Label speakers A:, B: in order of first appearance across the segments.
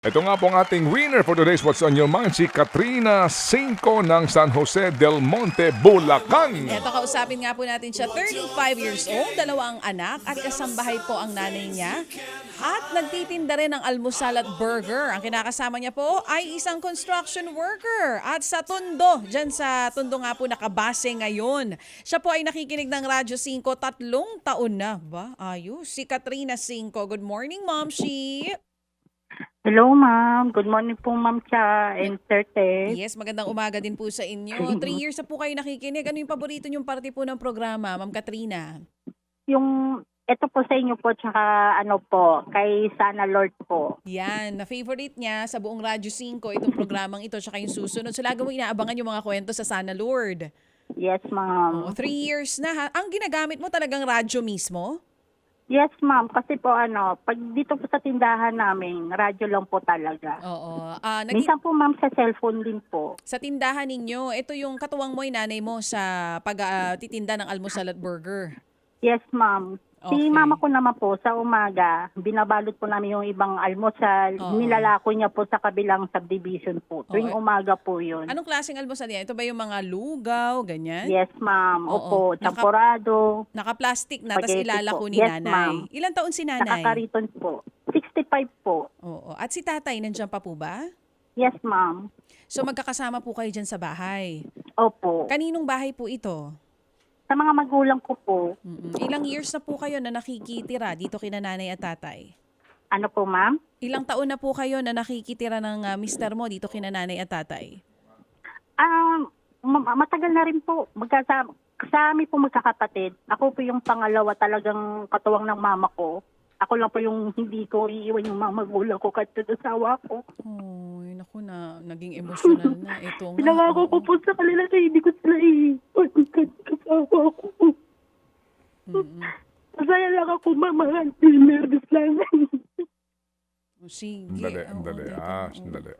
A: Ito nga po ang ating winner for today's What's on Your Mind, si Katrina Cinco ng San Jose del Monte, Bulacan.
B: Eto, kausapin nga po natin siya, 35 years old, dalawang anak at kasambahay po ang nanay niya. At nagtitinda rin ng almusal at burger. Ang kinakasama niya po ay isang construction worker. At sa Tondo, dyan sa Tondo nga po nakabase ngayon. Siya po ay nakikinig ng Radyo 5, 3 taon na. Ba? Ayos. Si Katrina Cinco. Good morning, Mom Shi.
C: Hello, ma'am. Good morning po, ma'am Cha and Sir Ted.
B: Yes, magandang umaga din po sa inyo. 3 years na po kayo nakikinig. Ano yung paborito niyong parte po ng programa, Ma'am Katrina?
C: Ito po sa inyo po, tsaka ano po, kay Sana Lord po.
B: Yan, na-favorite niya sa buong Radyo 5 itong programang ito tsaka yung susunod. So lagi mo inaabangan yung mga kwento sa Sana Lord.
C: Yes, ma'am.
B: 3 years na ha. Ang ginagamit mo talagang radyo mismo?
C: Yes, ma'am. Kasi po pag dito po sa tindahan namin, radyo lang po talaga.
B: Oo.
C: Minsan po, ma'am, sa cellphone din po.
B: Sa tindahan ninyo, ito yung katuwang mo, nanay mo sa pag-titinda ng almusal at burger.
C: Yes, ma'am. Si
B: Okay.
C: mama ko naman po, sa umaga, binabalot po namin yung ibang almusal.
B: Oo.
C: Nilalako niya po sa kabilang subdivision po. Tuwing
B: Oo.
C: umaga po yun.
B: Anong klaseng almusal yan? Ito ba yung mga lugaw, ganyan?
C: Yes, ma'am.
B: Oo.
C: Opo, champorado.
B: Naka-plastic na, tapos
C: Spaghetti
B: ilalako
C: po.
B: ni
C: Yes,
B: nanay.
C: ma'am.
B: Ilang taon si nanay?
C: Nakakariton po. 65 po.
B: Oo. At si tatay, nandiyan pa po ba?
C: Yes, ma'am.
B: So magkakasama po kayo dyan sa bahay.
C: Opo.
B: Kaninong bahay po ito?
C: Sa mga magulang ko po.
B: Ilang years na po kayo na nakikitira dito kina nanay at tatay?
C: Ano po, ma'am?
B: Ilang taon na po kayo na nakikitira ng mister mo dito kina nanay at tatay?
C: Matagal na rin po. Sa amin po magkakapatid. Ako po yung pangalawa talagang katuwang ng mama ko. Ako lang po yung hindi ko iiwan yung mga magulang ko kahit sa asawa ko.
B: Ay, naku na, naging emotional na. Ito nga.
C: Pinangako ko
B: oo.
C: po sa kanila na hindi ko sila iiwan kahit kasama ko. Masaya lang ako, mamahal. Nervous lang.
B: O, sige.
A: Sandali,
B: Oo,
A: sandali.
B: teka, oo.
A: Sandali.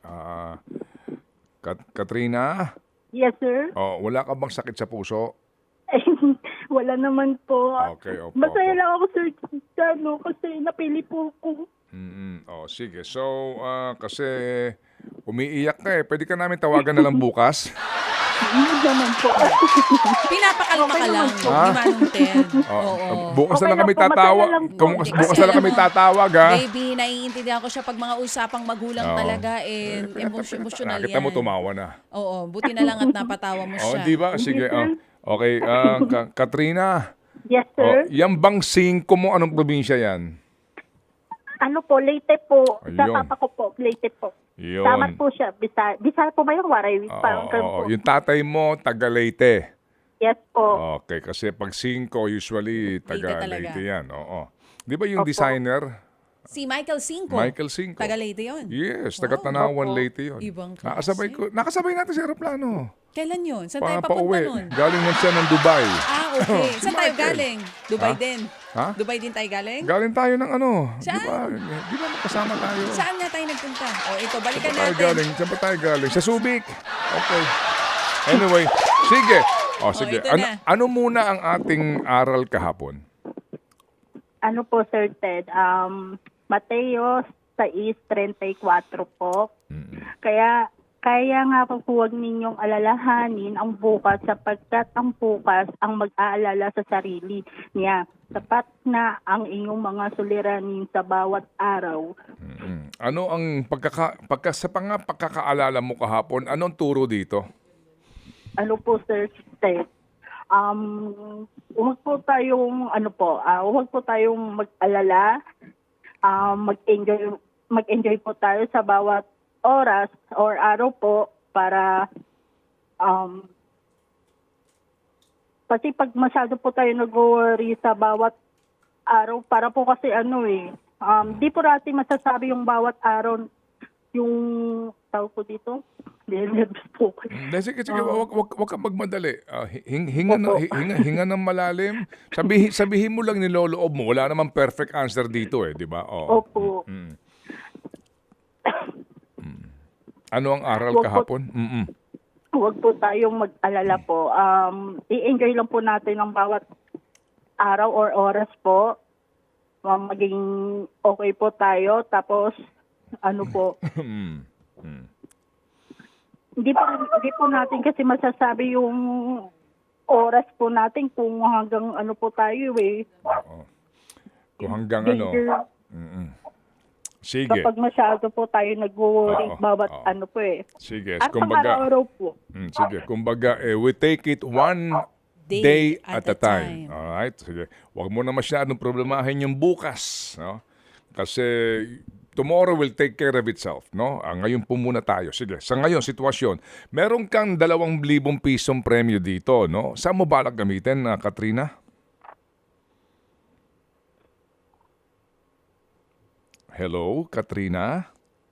A: Katrina,
C: Yes, sir.
A: wala ka bang sakit sa puso?
C: Wala naman po.
A: Okay, opo.
C: Masaya lang ako, sir, kasi napili po ako.
A: Sige. So, kasi umiiyak ka eh. Pwede ka namin tawagan na lang bukas?
C: Hindi naman po.
B: Pinapakalma ka lang.
C: Okay
B: Di Manong Ted.
A: Oo.
B: Oo.
A: Bukas
C: Okay
A: na lang kami
C: lang po,
A: tatawag.
C: masaya lang po.
A: Bukas na lang kami tatawag, ha?
B: Baby, naiintindihan ko siya pag mga usapang magulang
A: Oo.
B: talaga emotional
A: Nakita
B: yan.
A: mo tumawa na.
B: Oo, buti na lang at napatawa mo
A: Oh,
B: siya.
A: di ba? Sige. Okay, Katrina.
C: Yes, sir.
A: Yan bang 5 mo? Anong probinsya yan?
C: Ano po, Leyte po. Sa
A: Ayun.
C: papa ko po, Leyte po.
A: Yun.
C: Tamat po siya. Bisaya po ba yung Waray? Parang ganun po.
A: Yung tatay mo, taga Leyte.
C: Yes po.
A: Okay, kasi pag 5, usually taga
B: talaga.
A: Leyte yan. Oo. Di ba yung
C: Opo.
A: designer?
B: Si Michael Cinco.
A: Michael Cinco.
B: Taga Leyte yun.
A: Yes, taga
B: Wow.
A: Tanawan,
C: Opo.
A: Leyte yun.
B: Ibang klase.
A: Nakasabay natin sa aeroplano.
B: Kailan yun? Saan tayo papunta
A: Pauwi.
B: nun?
A: Galing nun siya ng Dubai.
B: Okay.
A: Si
B: Saan tayo
A: Michael.
B: galing? Dubai
A: Ha?
B: din.
A: Ha?
B: Dubai din tayo galing?
A: Galing tayo ng ano.
B: Saan?
A: Di ba magkasama tayo?
B: Saan nga tayo nagpunta? O ito, balikan
A: Saan tayo
B: natin.
A: galing? Saan ba tayo galing? Sa Subic. Okay. Anyway, sige. Sige.
B: ito na.
A: Ano muna ang ating aral kahapon?
C: Ano po, Sir Ted? Mateo 6:34 po. Kaya nga po huwag ninyong alalahanin ang bukas sapagkat ang bukas ang mag-aalala sa sarili niya. Sapat na ang inyong mga suliranin sa bawat araw.
A: Ano ang pagkakaalala mo kahapon? Anong turo dito?
C: Ano po, Sir Ted? Huwag po tayong huwag po tayong mag-alala. Mag-enjoy po tayo sa bawat oras or araw po para kasi pag masyado po tayo nag-worry sa bawat araw para po kasi di po natin masasabi yung bawat araw yung tawag ko dito. Nervous po.
A: Sige, wag kang magmadali. Hinga ng malalim. Sabihin mo lang niloloob mo. Wala namang perfect answer dito di ba? Oo.
C: Opo.
A: Ano ang aral
C: Wag po-
A: kahapon?
C: Huwag po tayong mag-alala po. I-enjoy lang po natin ang bawat araw or oras po. Maging okay po tayo. Tapos, ano po.
A: Mm. Mm.
C: Hindi po natin kasi masasabi yung oras po natin kung hanggang ano po tayo eh.
A: Oo. Kung hanggang ano.
C: Danger.
A: Mm-mm. Sige.
C: Kapag masyado po tayo nag-worry
A: Oo,
C: bawat
A: oo.
C: ano po eh.
A: Sige.
C: At
A: Kumbaga,
C: pang-araw po.
A: sige. Kumbaga, we take it one day at a time. Alright? Sige. Huwag mo na masyadong problemahin yung bukas. No? Kasi tomorrow will take care of itself. No? Ngayon po muna tayo. Sige. Sa ngayon, sitwasyon. Meron kang 2,000 pisong premyo dito. No? Saan mo balak gamitin, Katrina? Hello, Katrina?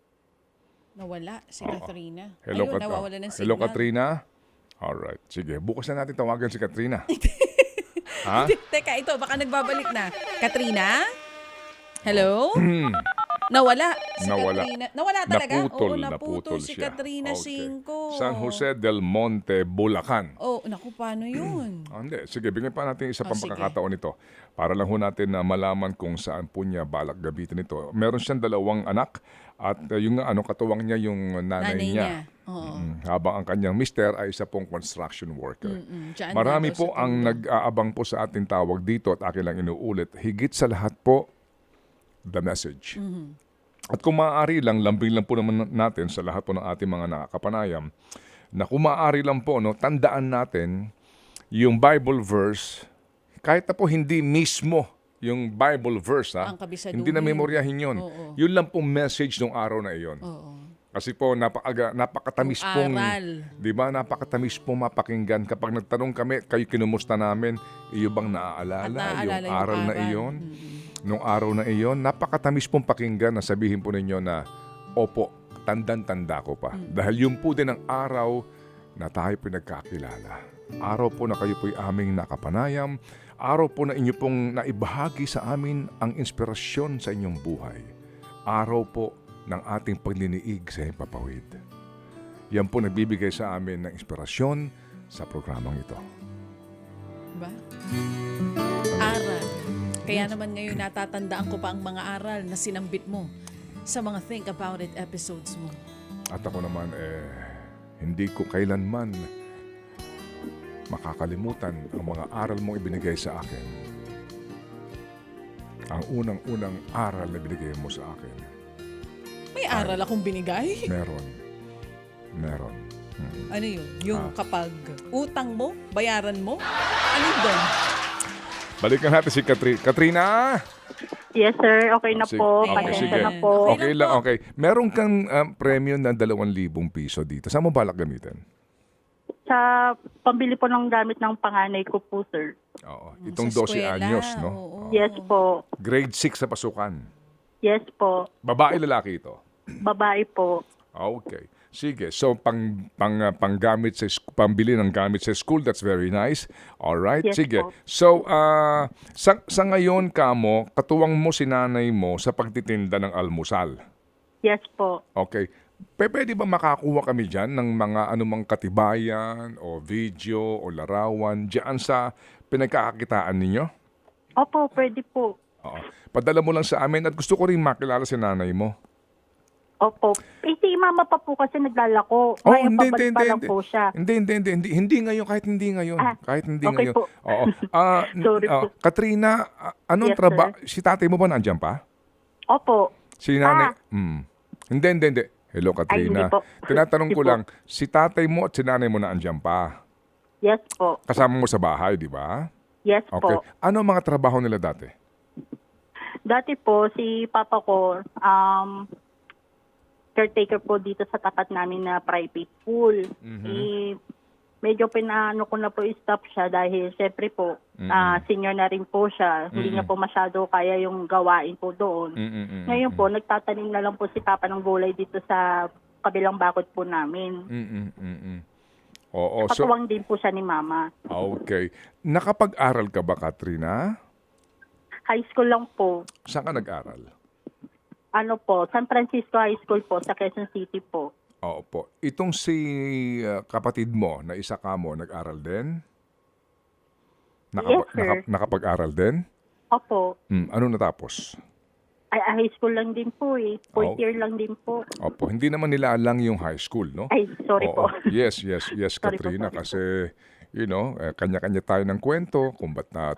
B: Nawala si Katrina.
A: Hello,
B: Ayun, nawawala ng signal.
A: Hello, Katrina? Alright. Sige. Bukas na natin tawagan si Katrina. Ha?
B: Teka, ito, baka nagbabalik na. Katrina? Hello? Nawala si
A: Nawala.
B: Katrina. Nawala talaga?
A: Naputol,
B: Oo,
A: naputol
B: si
A: siya.
B: Katrina
A: Okay.
B: Cinco.
A: San Jose del Monte, Bulacan.
B: Oh, naku, paano yun?
A: Hindi. Sige, bigyan pa natin isa pang
B: sige.
A: pagkakataon ito. Para lang ho natin na malaman kung saan po niya balak gabitin ito. Meron siyang 2 anak at yung katuwang niya yung nanay
B: Nanay
A: niya.
B: niya. Oo.
A: Habang ang kanyang mister ay isa pong construction worker.
B: Diyan
A: Marami
B: daw
A: po
B: sa
A: ang
B: Tondo.
A: nag-aabang po sa ating tawag dito at akin lang inuulit. Higit sa lahat po, the message. At kung maaari lang, lambing lang po naman natin sa lahat po ng ating mga nakakapanayam, na kung maaari lang po, no, tandaan natin yung Bible verse, kahit na po hindi mismo yung Bible verse,
B: Ang kabisaduhin.
A: hindi na memoryahin yun.
B: Oo.
A: Yun lang pong message ng araw na iyon.
B: Oo.
A: Kasi po, napakatamis
B: Yung
A: pong,
B: aral.
A: di ba, napakatamis pong mapakinggan. Kapag nagtanong kami, kayo kinumusta namin, iyo bang naaalala,
B: At naaalala
A: yung aral na iyon? Nung araw na iyon, napakatamis pong pakinggan na sabihin po ninyo na, opo, tandang-tanda ko pa. Dahil yun po din ang araw na tayo po nagkakilala. Araw po na kayo po'y aming nakapanayam. Araw po na inyo pong naibahagi sa amin ang inspirasyon sa inyong buhay. Araw po ng ating pagliniig sa himpapawid. Yan po nagbibigay sa amin ng inspirasyon sa programang ito.
B: Ba? Aral. Kaya naman ngayon natatandaan ko pa ang mga aral na sinambit mo sa mga Think About It episodes mo.
A: At ako naman, hindi ko kailanman makakalimutan ang mga aral mong ibinigay sa akin. Ang unang-unang aral na binigay mo sa akin.
B: May aral akong binigay.
A: Meron.
B: Ano yun? Yung kapag utang mo, bayaran mo? Ano yun doon?
A: Balikan natin si Katrina!
C: Yes sir, okay na
A: Sige.
C: po.
B: Okay,
C: Pasensya
B: sige.
C: na po.
A: Okay lang, okay. Meron kang premyo na 2,000 piso dito. Saan mo balak gamitin?
C: Sa pambili po ng gamit ng panganay ko po sir.
A: Oo. Itong
B: Sa
A: 12
B: eskwela,
A: anyos, no?
B: oo.
C: Yes po.
A: Grade 6 sa pasukan.
C: Yes po.
A: Babae, lalaki ito.
C: Babae po.
A: Okay. Sige. So panggamit pambili ng gamit sa school, that's very nice. All right.
C: Yes
A: Sige.
C: po.
A: So sa ngayon kamo, katuwang mo si nanay mo sa pagtitinda ng almusal.
C: Yes po.
A: Okay. Pwede ba makakuha kami dyan ng mga anumang katibayan o video o larawan dyan sa pinagkakakitaan ninyo?
C: Opo, pwede po.
A: Oo. Padala mo lang sa amin at gusto ko rin makilala si nanay mo.
C: Opo. Si mama pa po kasi naglalako. Ngayon pabalik pa lang po siya.
A: Hindi ngayon, kahit hindi ngayon. Kahit hindi
C: okay
A: ngayon.
C: po.
A: Oo.
C: Sorry po.
A: Katrina, anong
C: Yes,
A: trabaho?
C: sir.
A: Si tatay mo ba nandiyan pa?
C: Opo.
A: Si nanay? Hindi. Hello, Katrina.
C: hindi po.
A: Tinatanong ko
C: Hindi po.
A: lang, si tatay mo at si nanay mo nandiyan pa?
C: Yes po.
A: Kasama mo sa bahay, di ba?
C: Yes
A: Okay.
C: po.
A: Ano ang mga trabaho nila dati?
C: Dati po, si papa ko, caretaker po dito sa tapat namin na private school. Medyo pinaano ko na po i-stop siya dahil syempre po, senior na rin po siya. Hindi niya po masyado kaya yung gawain po doon. Ngayon po, nagtatanim na lang po si papa ng gulay dito sa kabilang bakod po namin.
A: Oo. So,
C: Katuwang din po siya ni mama.
A: okay. Nakapag-aral ka ba, Katrina?
C: High school lang po.
A: Saan ka nag-aral?
C: Ano po, San Francisco High School po, sa Quezon City po.
A: Oo po. Itong si kapatid mo na isa ka mo, nag-aral din?
C: Yes, sir.
A: Nakapag-aral din?
C: Opo.
A: Ano natapos?
C: Ay, high school lang din po eh. Fourth
A: Oh.
C: year lang din po.
A: Opo, hindi naman nila alang yung high school, no?
C: Ay, sorry
A: Oo.
C: po.
A: Yes,
C: Sorry po,
A: Katrina,
C: sorry po.
A: kasi kanya-kanya tayo ng kwento kung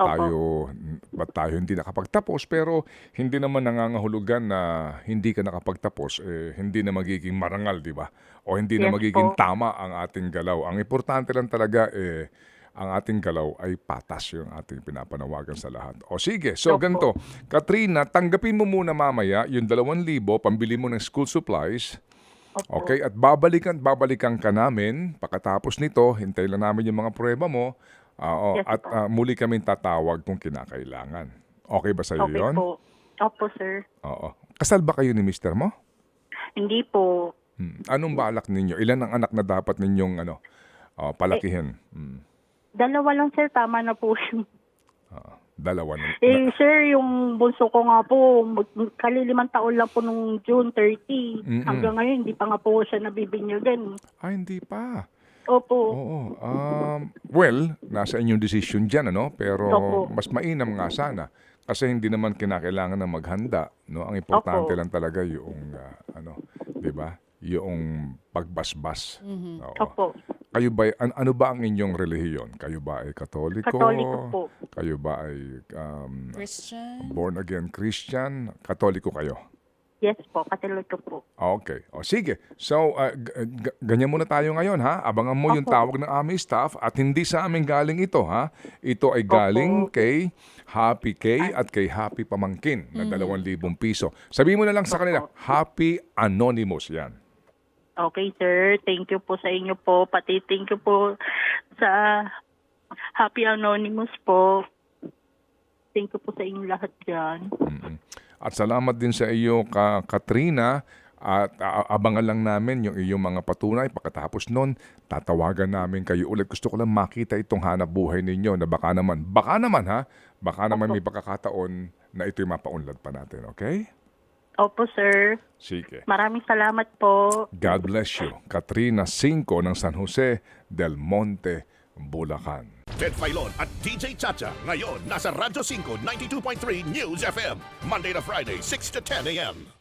A: ba't tayo hindi nakapagtapos, pero hindi naman nangangahulugan na hindi ka nakapagtapos, hindi na magiging marangal, di ba? O hindi na
C: Yes
A: magiging
C: po.
A: tama ang ating galaw. Ang importante lang talaga, ang ating galaw ay patas yung ating pinapanawagan sa lahat. O sige, so
C: Opo.
A: ganito. Katrina, tanggapin mo muna mamaya yung 2,000, pambili mo ng school supplies.
C: Opo.
A: Okay, at babalikan ka namin. Pagkatapos nito, hintay lang namin yung mga prueba mo.
C: Yes
A: At
C: po.
A: muli kaming tatawag kung kinakailangan. Okay ba sa'yo
C: Okay
A: yun?
C: po. Opo, sir.
A: Oo. Kasal ba kayo ni mister mo?
C: Hindi po.
A: Anong balak ninyo? Ilan ang anak na dapat ninyong palakihin?
C: Dalawa lang, sir. Tama na po yun.
A: Dalawa na.
C: Sir, yung bunso ko nga po, kalilimang taon lang po nung June 30.
A: Mm-mm.
C: Hanggang ngayon, hindi pa nga po siya nabibinyagan.
A: Ay, hindi pa.
C: Opo.
A: Oo. Well, nasa inyong decision dyan, Pero
C: Opo.
A: mas mainam nga sana. Kasi hindi naman kinakailangan na maghanda, no? Ang importante
C: Opo.
A: lang talaga yung, 'di ba? Yung pagbasbas. Oo.
C: Opo.
A: Kayo ba, ano ba ang inyong relihiyon? Kayo ba ay Katoliko?
C: Katoliko po.
A: Kayo ba ay
B: Christian?
A: born again Christian? Katoliko kayo?
C: Yes po, katoliko po.
A: Okay. O sige. So, ganyan muna tayo ngayon, ha? Abangan mo yung
C: Opo.
A: tawag ng aming staff at hindi sa amin galing ito, ha? Ito ay galing kay Happy K at kay Happy Pamangkin na 2,000 piso. Sabihin mo na lang sa kanila, Happy Anonymous yan.
C: Okay, sir. Thank you po sa inyo po. Pati thank you po sa Happy Anonymous po. Thank you po sa inyo lahat dyan.
A: At salamat din sa iyo, Katrina. At abangan lang namin yung iyong mga patunay. Pagkatapos nun, tatawagan namin kayo ulit. Gusto ko lang makita itong hanap buhay ninyo na baka naman may pagkakataon na ito'y mapaunlad pa natin, okay?
C: Opo, sir.
A: Sige.
C: Maraming salamat po.
A: God bless you. Katrina Cinco ng San Jose del Monte, Bulacan.
D: Ted Filon at DJ Chacha. Ngayon, nasa Radyo 5, 92.3 News FM. Monday to Friday, 6 to 10 a.m.